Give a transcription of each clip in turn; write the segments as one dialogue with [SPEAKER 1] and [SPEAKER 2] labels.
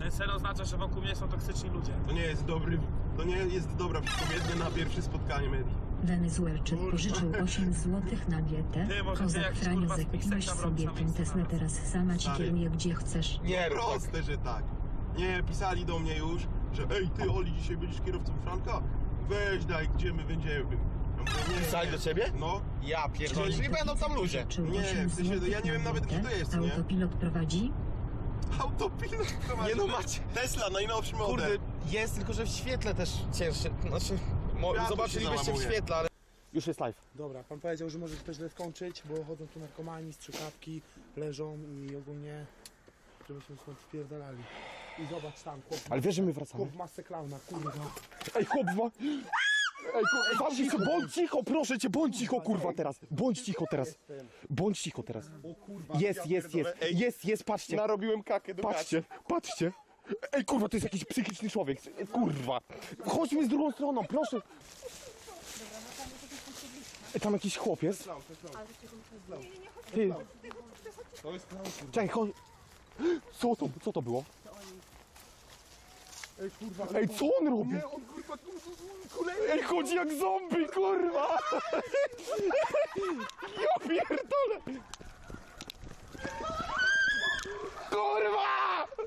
[SPEAKER 1] Ten sen oznacza, że wokół mnie są toksyczni ludzie.
[SPEAKER 2] To nie jest dobra wypowiednia na pierwsze spotkanie Medi.
[SPEAKER 3] Wenezuelczyk pożyczył 8 złotych na dietę.
[SPEAKER 1] Ty, może ty
[SPEAKER 3] Kozak
[SPEAKER 1] jakiś,
[SPEAKER 3] Franiu,
[SPEAKER 1] kurwa,
[SPEAKER 3] zakupiłeś
[SPEAKER 1] spisek tam
[SPEAKER 3] sobie
[SPEAKER 1] robisz na
[SPEAKER 3] ten
[SPEAKER 1] miejscu
[SPEAKER 3] Tesla,
[SPEAKER 1] nawet.
[SPEAKER 3] teraz sama ci
[SPEAKER 2] Stary.
[SPEAKER 3] kieruje gdzie chcesz.
[SPEAKER 2] Nie, proste, że tak. Nie, pisali do mnie już, że ej ty Oli, dzisiaj będziesz kierowcą Franka? Weź daj, gdzie my będziemy. Ja mówię, nie,
[SPEAKER 4] Pisali do ciebie?
[SPEAKER 2] No.
[SPEAKER 4] Ja pierdolę, czyli będą tam ludzie.
[SPEAKER 3] Pożyczył
[SPEAKER 2] Nie,
[SPEAKER 3] 8
[SPEAKER 2] w sensie,
[SPEAKER 3] złotych
[SPEAKER 2] ja nie wiem
[SPEAKER 3] na
[SPEAKER 2] nawet,
[SPEAKER 3] dietę.
[SPEAKER 2] kto to jest, nie?
[SPEAKER 3] Autopilot prowadzi?
[SPEAKER 2] Autopilot prowadzi.
[SPEAKER 4] Nie no macie.
[SPEAKER 2] Tesla, najnowszy model.
[SPEAKER 4] Kurde, jest tylko, że w świetle też cięższy. Znaczy,
[SPEAKER 2] Światło
[SPEAKER 4] zobaczylibyście
[SPEAKER 2] się
[SPEAKER 4] w
[SPEAKER 2] załamuje.
[SPEAKER 4] świetle, ale... Już jest live.
[SPEAKER 5] Dobra, pan powiedział, że może się to źle skończyć, bo chodzą tu narkomani, strzykawki, leżą i ogólnie, żebyśmy stąd spierdalali. I zobacz tam, chłop,
[SPEAKER 4] Ale wiesz, że my wracamy?
[SPEAKER 5] chłop w masce klauna, kurwa.
[SPEAKER 4] Ej, chłop ma... Ej, kurwa, bądź cicho, proszę cię, bądź cicho, kurwa, teraz. Bądź cicho teraz. Bądź cicho teraz. Jest, patrzcie.
[SPEAKER 2] Narobiłem kakę do
[SPEAKER 4] Patrzcie. Ej, kurwa, to jest jakiś psychiczny człowiek. Kurwa. Chodźmy z drugą stroną, proszę. Ej, tam jakiś chłop jest. Ty. Czekaj, chodź. Co to było?
[SPEAKER 5] Ej, kurwa,
[SPEAKER 4] Ej, co on robi?
[SPEAKER 5] on kurwa,
[SPEAKER 4] Ej, chodzi jak zombie, kurwa! Ja pierdolę! Kurwa!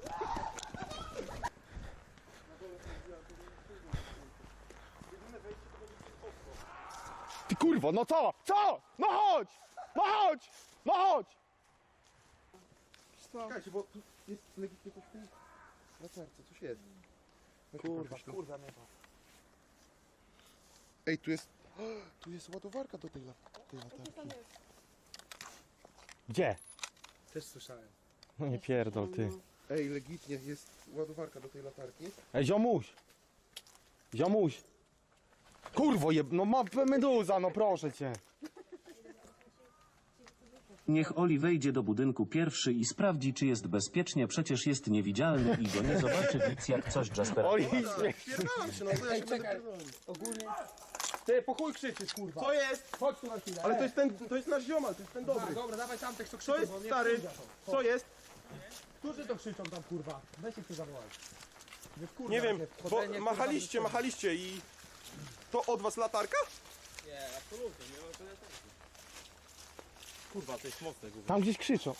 [SPEAKER 4] Ty kurwa, no co? Co? No chodź! No chodź! No chodź!
[SPEAKER 2] Czekajcie, bo tu jest legitnie coś w tej latarce, coś jest.
[SPEAKER 5] kurwa, nie to.
[SPEAKER 2] Ej, tu jest ładowarka do tej latarki.
[SPEAKER 4] Gdzie?
[SPEAKER 5] Też słyszałem.
[SPEAKER 4] No nie pierdol, ty.
[SPEAKER 2] Ej, legitnie jest ładowarka do tej latarki.
[SPEAKER 4] Ej, ziomuś! Ziomuś! Kurwo no ma meduza, no proszę cię.
[SPEAKER 6] Niech Oli wejdzie do budynku pierwszy i sprawdzi, czy jest bezpiecznie, przecież jest niewidzialny i go nie zobaczy nic jak coś Jasper.
[SPEAKER 4] Oli,
[SPEAKER 2] Pierdalam się, no to ja się
[SPEAKER 5] czekaj. Ogólnie... Ty, po chuj krzyczysz, kurwa.
[SPEAKER 2] Co jest?
[SPEAKER 5] Chodź tu na chwilę.
[SPEAKER 2] Ale to jest nasz ziomal, to jest ten dobry.
[SPEAKER 5] Dobra, dawaj tamtych, co
[SPEAKER 2] Co
[SPEAKER 5] krzyczą,
[SPEAKER 2] jest
[SPEAKER 5] bo mnie
[SPEAKER 2] stary?
[SPEAKER 5] wkurwia to.
[SPEAKER 2] Co jest?
[SPEAKER 5] Którzy to krzyczą tam, kurwa? Weź ich tu zawołaj. Wy wkurwia
[SPEAKER 2] Nie wiem,
[SPEAKER 5] mnie,
[SPEAKER 2] bo
[SPEAKER 5] chodzenie, kurwa,
[SPEAKER 2] machaliście i... To od was latarka?
[SPEAKER 4] tam gdzieś krzyczą.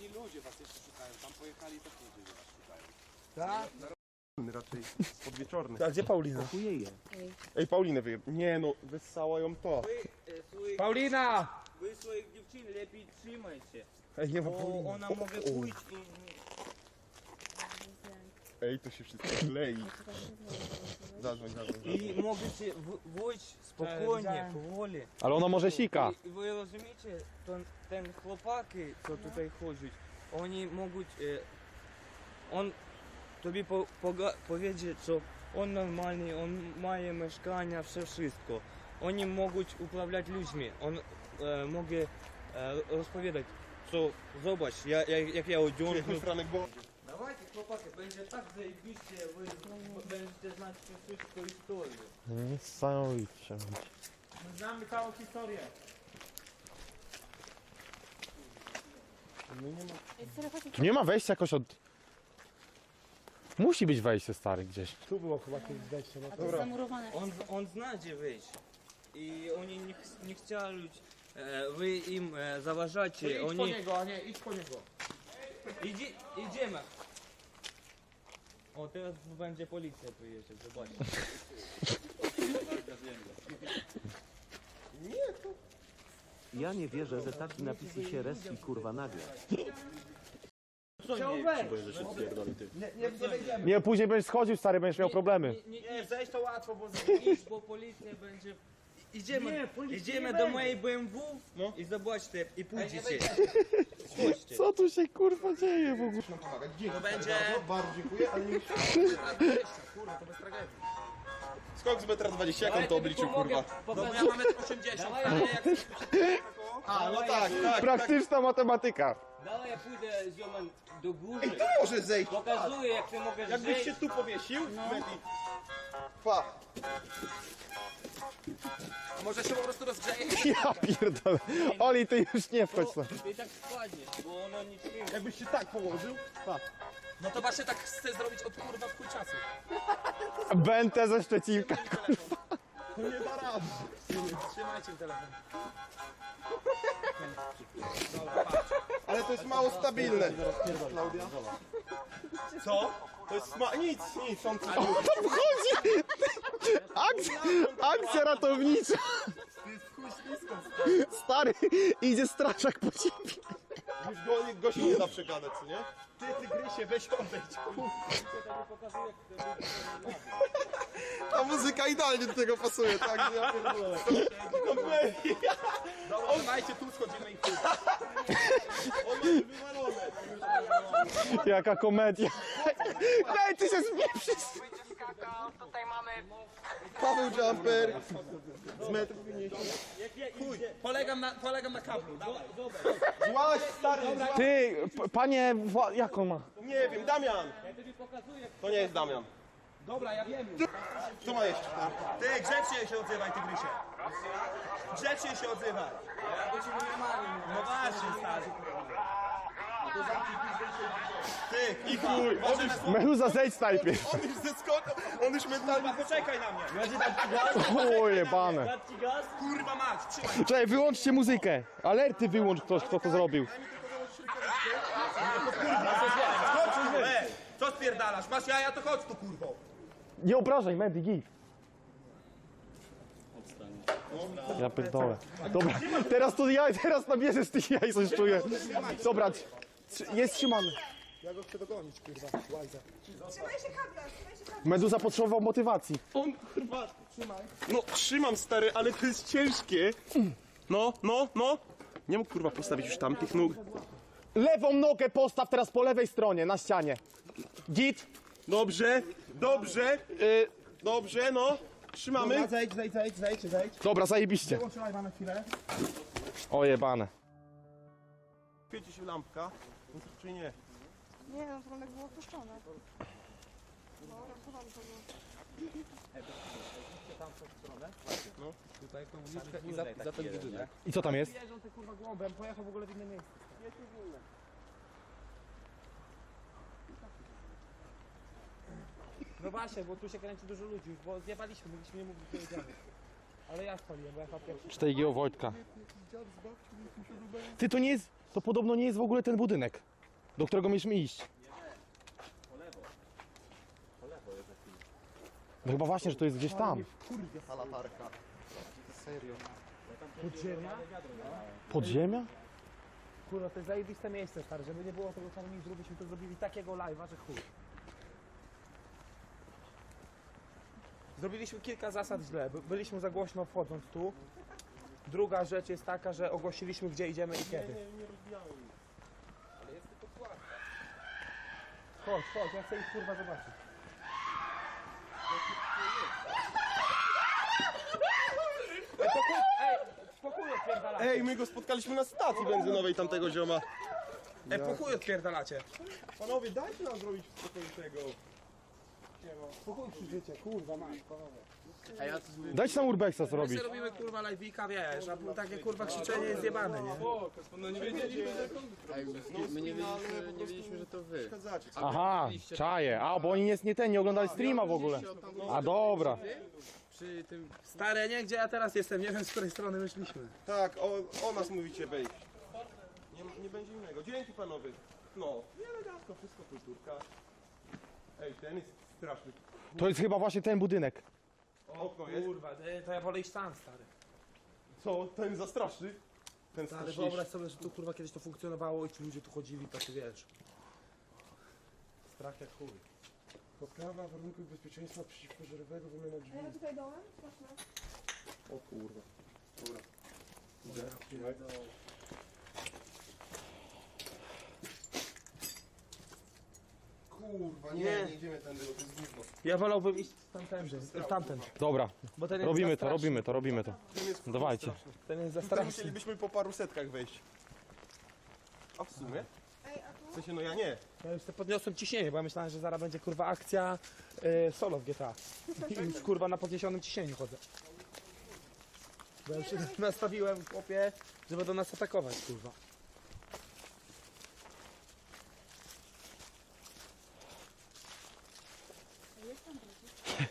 [SPEAKER 5] Tak?
[SPEAKER 2] Raczej podwieczorny.
[SPEAKER 5] A gdzie Paulina?
[SPEAKER 2] Ej, Paulinę wyjeb... Nie no, wyssała ją to.
[SPEAKER 5] Paulina!
[SPEAKER 7] Ви своїх дівчин lepiej trzymajcie,
[SPEAKER 5] Ej, nie ma
[SPEAKER 7] bo
[SPEAKER 5] Pauliny.
[SPEAKER 7] ona może pójść i...
[SPEAKER 2] Ej, to się wszystko klei. Zadzwoń.
[SPEAKER 7] I możecie wyjść spokojnie, powoli.
[SPEAKER 4] Ale ona może sika.
[SPEAKER 7] I ви розумієте, ten chłopaki, co tutaj chodzą, oni mogą... on тобі powiedzieć, że on normalny, on ma mieszkania, wszystko. Oni mogą uprawiać ludźmi, on może rozpowiadać, co zobacz, jak ja odciągnę.
[SPEAKER 2] Franek, bo...
[SPEAKER 7] Давайте, chłopaki, będzie tak zajebiście, wy będziecie znać wszystko historię.
[SPEAKER 4] Niesamowicie.
[SPEAKER 5] Znamy całą historię.
[SPEAKER 4] Tu nie ma wejścia jakoś od... Musi być wejście, stary, gdzieś.
[SPEAKER 5] Tu było chyba kiedyś wejście, no to...
[SPEAKER 2] Dobra.
[SPEAKER 7] On zna, gdzie wyjść. I oni nie chcieli, wy im zaważacie.
[SPEAKER 5] Idź po
[SPEAKER 7] Oni...
[SPEAKER 5] niego, a nie, idź po niego.
[SPEAKER 7] Idziemy. O, teraz będzie policja przyjeżdżać, zobaczcie.
[SPEAKER 6] Ja nie wierzę, że taki napisy się reski kurwa nagle.
[SPEAKER 7] Chciał wejść.
[SPEAKER 5] Nie wejdziemy.
[SPEAKER 4] Nie, później będziesz schodził, stary, będziesz miał problemy.
[SPEAKER 5] Nie, zejść to łatwo, bo...
[SPEAKER 7] Idź, bo policja będzie... Idziemy do mojej BMW i zobaczcie, i pójdziecie. Chodźcie.
[SPEAKER 4] Co tu się kurwa dzieje w ogóle?
[SPEAKER 7] To będzie...
[SPEAKER 2] Bardzo dziękuję, ale nie...
[SPEAKER 5] Kurwa, to bez tragedii.
[SPEAKER 2] Skok z 1,20 m, jak on to obliczył, kurwa?
[SPEAKER 7] Dobra, mamy 80.
[SPEAKER 2] A, no tak.
[SPEAKER 4] Praktyczna matematyka.
[SPEAKER 7] Dawaj, ja pójdę z ziomem do góry.
[SPEAKER 2] Ej, tu może zejść.
[SPEAKER 7] Pokazuję, jak ty mogę
[SPEAKER 2] Jakbyś
[SPEAKER 7] zejść.
[SPEAKER 2] się tu powiesił, Medi. Pa.
[SPEAKER 7] A może się po prostu rozgrzeje?
[SPEAKER 4] Ja pierdolę. Oli, ty już nie wchodź tam.
[SPEAKER 7] I tak spadnie, bo ono nic nie...
[SPEAKER 2] Jakbyś się tak położył, pa.
[SPEAKER 1] No to właśnie tak chcę zrobić od kurwa w chuj czasu.
[SPEAKER 4] Bentę ze Szczecinka.
[SPEAKER 2] Nie da rady.
[SPEAKER 1] Trzymajcie telefon.
[SPEAKER 2] Ale to jest mało stabilne. Klaudia? Co? To jest nic, on coś mówi.
[SPEAKER 4] Tam wchodzi! Akcja ratownicza! Stary, idzie strażak po ciebie.
[SPEAKER 2] Już go się nie da przegadać, co nie? Ty tygrysie, weź odejdź. Ta muzyka idealnie do tego pasuje, tak? Ja pierdolę.
[SPEAKER 1] Dobra, dawajcie, tu schodzimy i chuj.
[SPEAKER 2] On ma wywalone.
[SPEAKER 4] Jaka komedia. Ej, ty się zmieprzysz!
[SPEAKER 2] Paweł Jumper. Z metrów 50.
[SPEAKER 1] Polegam na kablu, dawaj.
[SPEAKER 2] Złaś, stary, złaś.
[SPEAKER 4] Ty, panie, jak on ma?
[SPEAKER 2] Nie wiem, Damian. To nie jest Damian.
[SPEAKER 1] Dobra, ja wiem.
[SPEAKER 2] Co ma jeszcze?
[SPEAKER 1] Ty, grzecznie się odzywaj, tygrysie. Grzecznie się odzywaj. No właśnie, stary.
[SPEAKER 2] Ty, i chuj.
[SPEAKER 4] Meluza, zejdź najpierw.
[SPEAKER 2] On już zeskoczył, on już mentalnie...
[SPEAKER 1] Poczekaj na mnie.
[SPEAKER 4] O, jebane.
[SPEAKER 1] Kurwa mać, trzymaj.
[SPEAKER 4] Czekaj, wyłączcie muzykę. Alerty wyłącz ktoś, kto to zrobił.
[SPEAKER 1] Co spierdalasz? Masz jaja, to chodź tu, kurwo.
[SPEAKER 4] Nie obrażaj, Mandy, git. Ja pierdolę. Dobra, teraz nabierze z tych jaj, coś czuję. Dobra, jest trzymany.
[SPEAKER 5] Ja go chcę dogonić, kurwa, łajza.
[SPEAKER 4] Meduza potrzebował motywacji.
[SPEAKER 2] On, kurwa, trzymaj. No, trzymam, stary, ale to jest ciężkie. No. Nie mógł, kurwa, postawić już tam tych nóg.
[SPEAKER 4] Lewą nogę postaw teraz po lewej stronie, na ścianie. Git.
[SPEAKER 2] Dobrze, no. Trzymamy.
[SPEAKER 5] Zejdź.
[SPEAKER 4] Dobra, zajebiście.
[SPEAKER 5] Wyłączę live'a na chwilę.
[SPEAKER 4] O, jebane.
[SPEAKER 2] Świeci się lampka, czy nie?
[SPEAKER 8] Nie, no to było opuszczone. No, chowam to było.
[SPEAKER 4] I co tam jest?
[SPEAKER 5] Jeżdżą te kurwa głąbem, pojechał w ogóle w inne miejsce. No właśnie, bo tu się kręci dużo ludzi, bo zjebaliśmy, mogliśmy nie mówić, gdzie jedziemy. Ale ja spaliłem, bo ja chyba pierwszy.
[SPEAKER 4] 4G Wojtka. Ty, to nie jest, to podobno nie jest w ogóle ten budynek, do którego mieliśmy iść. No chyba właśnie, że to jest gdzieś tam.
[SPEAKER 5] Podziemia?
[SPEAKER 4] Podziemia?
[SPEAKER 5] Kurwa, to jest zajebiste miejsce, stary, żeby nie było tego harmonizmu, byśmy to zrobili takiego live'a, że chuj. Zrobiliśmy kilka zasad źle, byliśmy za głośno wchodząc tu. Druga rzecz jest taka, że ogłosiliśmy gdzie idziemy i kiedy. Chodź, ja chcę ich kurwa zobaczyć. Spokój odpierdalacie.
[SPEAKER 2] Ej, my go spotkaliśmy na stacji benzynowej tamtego zioma.
[SPEAKER 1] Po chuj odpierdalacie.
[SPEAKER 2] Panowie, dajcie nam zrobić spokój tego.
[SPEAKER 5] Spokój krzyczycie, kurwa mać, panowie.
[SPEAKER 4] Dajcie nam urbexa zrobić.
[SPEAKER 1] My robimy kurwa live'ika, wiesz, a takie kurwa krzyczenie jest zjebane, nie?
[SPEAKER 2] Nie wiedzieliśmy, że to wy. Przeszkadzacie.
[SPEAKER 4] Aha, czaje. A, bo oni nie oglądali streama w ogóle. A dobra.
[SPEAKER 1] Stare, nie? Gdzie ja teraz jestem? Nie wiem, z której strony wyszliśmy.
[SPEAKER 2] Tak, o nas mówicie wejść. Nie będzie innego. Dzięki, panowie. No, elegancko, wszystko kulturka. Ej, ten jest straszny.
[SPEAKER 4] To jest chyba właśnie ten budynek.
[SPEAKER 2] Okno jest.
[SPEAKER 1] Kurwa, to ja wolę iść tam, stary.
[SPEAKER 2] Co? Ten za straszny? Ten
[SPEAKER 1] Ale
[SPEAKER 2] straszniejszy.
[SPEAKER 1] wyobraź sobie, że tu kurwa kiedyś to funkcjonowało i ci ludzie tu chodzili, to ty wiesz. Strach jak chuj.
[SPEAKER 5] Poprawa warunków bezpieczeństwa przeciwpożarowego, wymiana drzwi.
[SPEAKER 8] A ja tutaj dołem? Patrzmy.
[SPEAKER 2] O kurwa. Dobra. Kurwa, nie idziemy tędy, bo to jest gówno.
[SPEAKER 1] Ja wolałbym iść tamten.
[SPEAKER 4] Dobra,
[SPEAKER 1] Bo ten jest
[SPEAKER 4] robimy
[SPEAKER 1] za
[SPEAKER 4] to,
[SPEAKER 1] straszny.
[SPEAKER 4] robimy to.
[SPEAKER 2] Ten jest
[SPEAKER 4] Dawajcie.
[SPEAKER 2] straszny.
[SPEAKER 1] Ten jest za
[SPEAKER 2] Tutaj
[SPEAKER 1] straszny.
[SPEAKER 2] musielibyśmy po paru setkach wejść. A w sumie?
[SPEAKER 8] Ej, a tu?
[SPEAKER 2] W sensie, no ja nie.
[SPEAKER 1] Ja już sobie podniosłem ciśnienie, bo ja myślałem, że zaraz będzie kurwa akcja solo w GTA. I już kurwa na podniesionym ciśnieniu chodzę. Bo ja już się nastawiłem, chłopie, że będą nas atakować, kurwa.